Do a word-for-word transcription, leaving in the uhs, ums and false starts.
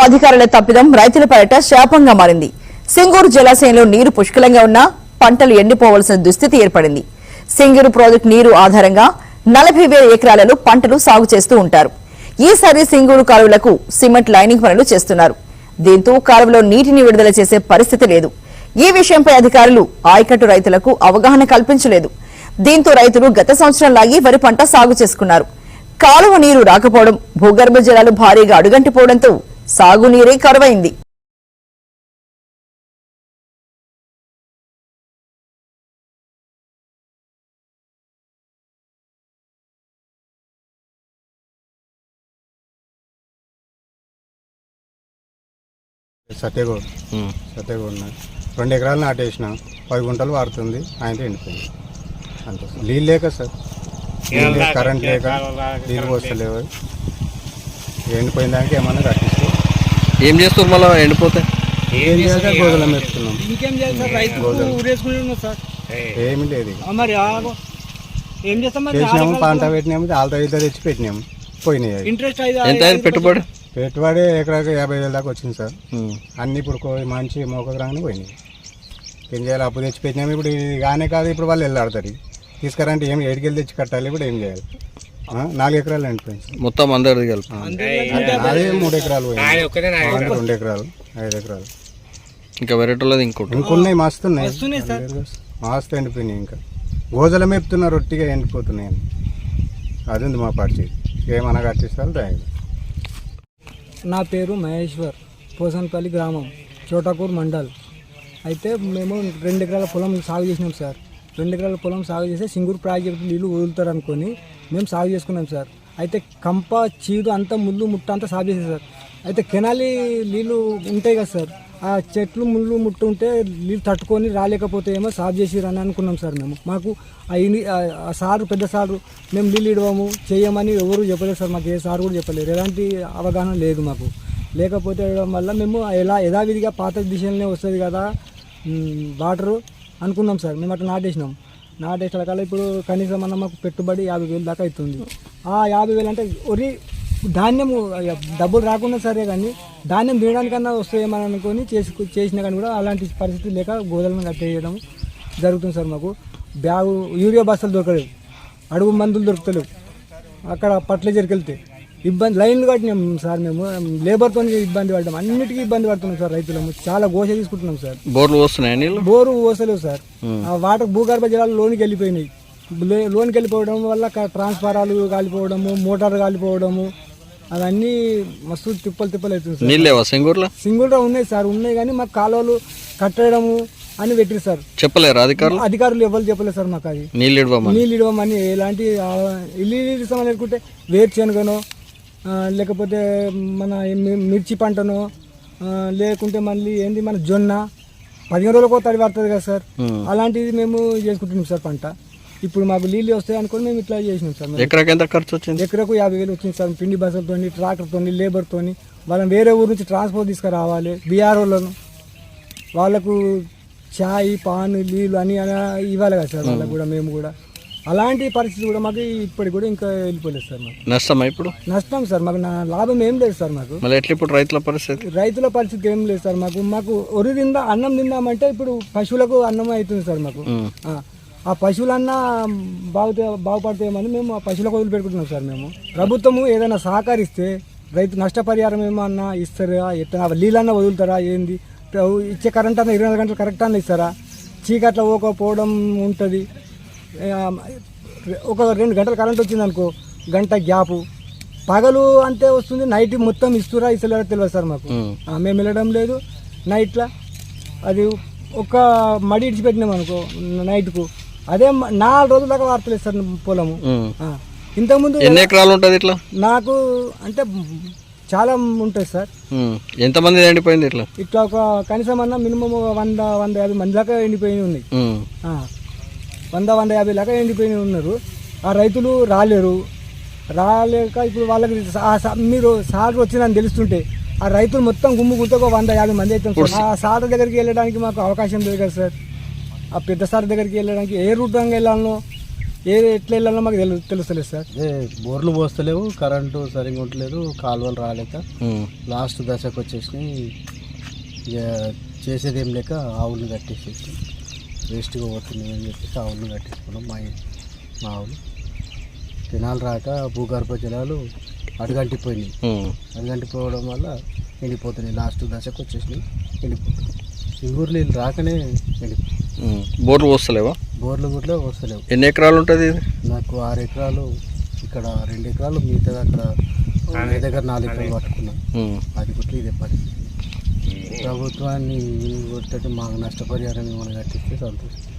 అధికారుల తప్పిదం రైతుల పరట శాపంగా మారింది. సింగూరు జలాశయంలో నీరు పుష్కలంగా ఉన్నా పంటలు ఎండిపోవాల్సిన దుస్థితి ఏర్పడింది. సింగూరు ప్రాజెక్టు నీరు ఆధారంగా నలభై వేల ఎకరాలలో పంటలు సాగు చేస్తూ ఉంటారు. ఈసారి సింగూరు కాలువలకు సిమెంట్ లైనింగ్ పనులు చేస్తున్నారు. దీంతో కాలువలో నీటిని విడుదల చేసే పరిస్థితి లేదు. ఈ విషయంపై అధికారులు ఆయకట్టు రైతులకు అవగాహన కల్పించలేదు. దీంతో రైతులు గత సంవత్సరం లాగి వరి పంట సాగు చేసుకున్నారు. కాలువ నీరు రాకపోవడం, భూగర్భ జలాలు భారీగా అడుగంటిపోవడంతో సాగునీరే కరువైంది. సత్యగూడ సత్యగూడ రెండు ఎకరాలు నాటేసిన పది గుంటలు వాడుతుంది. ఆయనతో ఎండిపోయింది అంతే. నీళ్ళు లేక సార్, కరెంట్ లేక నీళ్ళు వస్తలేవు. ఎండిపోయిన దానికి ఏమన్నా కట్టిస్తే ఏం చేస్తారు మళ్ళీ ఎండిపోతే ఏం చేయాలి? గోధుల మెప్పుతున్నాం. ఇంకేం చేయాలి సార్? రైతు ఊరేసుకుంటున్నాం సార్. ఏమి లేదు. మరి ఏం చేస్తాం? చేసినాము, పంట పెట్టినాము, వాళ్ళతో ఇద్దరు తెచ్చి పెట్టినాము, పోయినాయి. ఇంట్రెస్ట్ ఎంత అయింది పెట్టుబడి? పెట్టుబడి ఎకరాకి యాభై వేల దాకా వచ్చింది సార్. అన్ని ఇప్పుడు మంచి మోకకు రాగానే పోయినాయి. ఏం చేయాలి? అప్పు తెచ్చి పెట్టినాము. ఇప్పుడు ఇది కానీ కాదు, ఇప్పుడు వాళ్ళు వెళ్ళాడతారు. తీసుకురంటే ఏం ఏడుకెళ్ళి తెచ్చి కట్టాలి. ఇప్పుడు ఏం చేయాలి? నాలుగు ఎకరాలు ఎండిపోయింది మొత్తం అందరిది కలిపి. అదే మూడు ఎకరాలు పోయింది, రెండు ఎకరాలు, ఐదు ఎకరాలు. ఇంకా వెరైటీలది ఇంకోటి ఇంకొన్నాయి, మస్తు ఉన్నాయి, మస్తు ఎండిపోయినాయి. ఇంకా గోజల మేపుతున్నారు, రొట్టిగా ఎండిపోతున్నాయి. అది ఉంది మా పార్టీ. ఏమన్నా కట్టిస్తారు దాని. నా పేరు మహేశ్వర్, పోసన్పల్లి గ్రామం, చోటాకూర్ మండల్. అయితే మేము రెండు ఎకరాల పొలం సాగు చేసినాం సార్. రెండు ఎకరాల పొలం సాగు చేస్తే సింగూరు ప్రాజెక్టు నీళ్ళు వదులుతారు అనుకొని మేము సాగు చేసుకున్నాం సార్. అయితే కంప, చీడు అంతా, ముళ్ళు ముట్ట అంతా సాగు చేసాం సార్. అయితే కెనాలి నీళ్ళు ఉంటాయి కదా సార్, ఆ చెట్లు ముళ్ళు ముట్టు ఉంటే నీళ్ళు తట్టుకొని రాలేకపోతే ఏమో సాగు చేసిరని అనుకున్నాం సార్. మేము మాకు ఆ సారు, పెద్ద సారు, మేము నీళ్ళు ఇడవము చేయమని ఎవరు చెప్పలేదు సార్. మాకు ఏ సారు కూడా చెప్పలేదు. ఎలాంటి అవగాహన లేదు మాకు. లేకపోతే వల్ల మేము ఎలా యథావిధిగా పాత దిశలనే వస్తుంది కదా వాటరు అనుకున్నాం సార్. మేము అట్లా నాటేసినాం. నాటేసిన కాలం ఇప్పుడు కనీసం అన్న మాకు పెట్టుబడి యాభై వేలు దాకా అవుతుంది. ఆ యాభై వేలు అంటే ఒరి ధాన్యం డబ్బులు రాకుండా సరే, కానీ ధాన్యం తినడానికన్నా వస్తాయేమని అనుకొని చేసి చేసినా కానీ కూడా అలాంటి పరిస్థితి లేక గోదలను కట్టేయడం జరుగుతుంది సార్. మాకు బ్యాగు యూరియా బస్తాలు దొరకలేవు, అడుగు మందులు దొరుకుతలేవు. అక్కడ ఫర్టిలైజర్కి వెళ్తే ఇబ్బంది, లైన్లు కట్టినాం సార్. మేము లేబర్తో ఇబ్బంది పడ్డాం, అన్నిటికీ ఇబ్బంది పడుతున్నాం సార్. రైతులము చాలా గోస తీసుకుంటున్నాం సార్. బోర్లు వస్తున్నాయి, బోరు పోసలేవు సార్. ఆ వాటర్ భూగర్భ జలాలు లోనికి వెళ్ళిపోయినాయి. లోనికి వెళ్ళిపోవడం వల్ల ట్రాన్స్ఫారాలు కాలిపోవడము, మోటార్ కాలిపోవడము, అవన్నీ మస్తు తిప్పలు తిప్పలు అవుతుంది సార్. నీళ్ళేవా సింగూరులో? సింగూరులో ఉన్నాయి సార్, ఉన్నాయి కానీ మాకు కాలువలు కట్టడము అని పెట్టిరు సార్. చెప్పలేరు అధికారులు? అధికారులు ఎవరు చెప్పలేదు సార్ మాకు. అది నీళ్ళు ఇవ్వమని నీళ్ళు ఇవ్వమని ఎలాంటి ఇల్లు ఇస్తామని అనుకుంటే వేరుశనగనో, లేకపోతే మన మిర్చి పంటనో, లేకుంటే మళ్ళీ ఏంది మన జొన్న పదిహేను రోజులకు తడి పడుతుంది కదా సార్. అలాంటిది మేము చేసుకుంటున్నాం సార్ పంట. ఇప్పుడు మాకు నీళ్ళు వస్తాయి అనుకుని మేము ఇట్లా చేసినాం సార్. ఎకరాకి ఎంత ఖర్చు వచ్చింది? ఎకరకు యాభై వేలు వచ్చింది సార్. పిండి బస్సులతో, ట్రాక్టర్తో, లేబర్తో. వాళ్ళని వేరే ఊరు నుంచి ట్రాన్స్పోర్ట్ తీసుకురావాలి. బీఆర్ఓలను వాళ్ళకు చాయ్, పాన్, నీళ్ళు అని ఇవ్వాలి కదా సార్. వాళ్ళకు కూడా మేము కూడా అలాంటి పరిస్థితి కూడా మాకు ఇప్పటికి కూడా ఇంకా వెళ్ళిపోలేదు సార్. మాకు నష్టమా? ఇప్పుడు నష్టం సార్. మాకు లాభం ఏం లేదు సార్. మాకు మళ్ళీ ఎట్లా ఇప్పుడు రైతుల పరిస్థితి? రైతుల పరిస్థితి ఏం లేదు సార్. మాకు మాకు ఒరి తిందా, అన్నం తిందామంటే ఇప్పుడు పశువులకు అన్నం అవుతుంది సార్. మాకు ఆ పశువులన్నా బాగుతే బాగుపడతాయేమని మేము ఆ పశువులకు వదిలి పెట్టుకుంటున్నాం సార్. మేము ప్రభుత్వము ఏదైనా సహకరిస్తే రైతు నష్టపరిహారం ఏమన్నా ఇస్తారా, ఎట్లా నీళ్ళన్నా వదులుతారా, ఏంది ఇచ్చే కరెంట్ అన్న ఇరవై నాలుగు గంటలు కరెక్ట్ అన్న ఇస్తారా? చీకట్ల పోకపోవడం ఉంటుంది. ఒక రెండు గంటలు కరెంట్ వచ్చింది అనుకో, గంట గ్యాపు. పగలు అంతే వస్తుంది, నైట్ మొత్తం ఇస్తురా ఇస్తలేరా తెలియదు సార్ మాకు. మేము వెళ్ళడం లేదు నైట్లో. అది ఒక మడి ఇడిచిపెట్టినాం అనుకో నైట్కు, అదే నాలుగు రోజుల దాకా వార్తలేదు సార్ పొలము. ఇంతకుముందు ఎన్ని ఎకరాలు ఉంటుంది ఇట్లా? నాకు అంటే చాలా ఉంటుంది సార్. ఎంతమంది ఎండిపోయింది ఇట్లా? ఇట్లా ఒక కనీసం అన్న మినిమం వంద వంద యాభై మంది దాకా ఎండిపోయి ఉన్నాయి. వంద వంద యాభై దాకా ఎండిపోయి ఉన్నారు. ఆ రైతులు రాలేరు. రాలేక ఇప్పుడు వాళ్ళకి మీరు సార్ వచ్చిందని తెలుస్తుంటే ఆ రైతులు మొత్తం గుమ్ము గుంత ఒక వంద యాభై మంది అవుతాం సార్. ఆ సార్ దగ్గరికి వెళ్ళడానికి మాకు అవకాశం లేదు కదా సార్. ఆ పెద్ద సార్ దగ్గరికి వెళ్ళడానికి ఏ రూట్ రంగా వెళ్ళాలనో ఏ ఎట్లా వెళ్ళాలో మాకు తెలు తెలుస్తలేదు సార్. అదే బోర్లు పోస్తలేవు, కరెంటు సరిగ్గా ఉండలేదు, కాలువలు రాలేక లాస్ట్ దశకు వచ్చేసినాయి. ఇక చేసేది ఏం లేక ఆవులను కట్టేసేసి వేస్ట్గా పోతున్నాయి అని చెప్పేసి ఆవులను కట్టేసుకున్నాం. మా మా ఆవులు కెనాలు రాక భూగర్భ జలాలు అడుగంటిపోయినాయి. అడుగంటిపోవడం వల్ల ఎండిపోతున్నాయి. లాస్ట్ దశకు వచ్చేసినాయి, ఎండిపోతున్నాయి. సింగూరు నీళ్ళు రాకనే ఎండిపోయి. బోర్లు వస్తలేవా? బోర్లు గుట్లో వస్తలేవు. ఎన్ని ఎకరాలు ఉంటుంది ఇది? నాకు ఆరు ఎకరాలు, ఇక్కడ రెండు ఎకరాలు, మిగతా అక్కడ మీ దగ్గర నాలుగు ఎకరాలు పట్టుకున్నాం. అది గుట్లు ఇదే పరిస్థితి. ప్రభుత్వాన్ని కొట్టడం మాకు నష్టపరిహారం ఏమైనా కట్టిస్తే సంతోషం.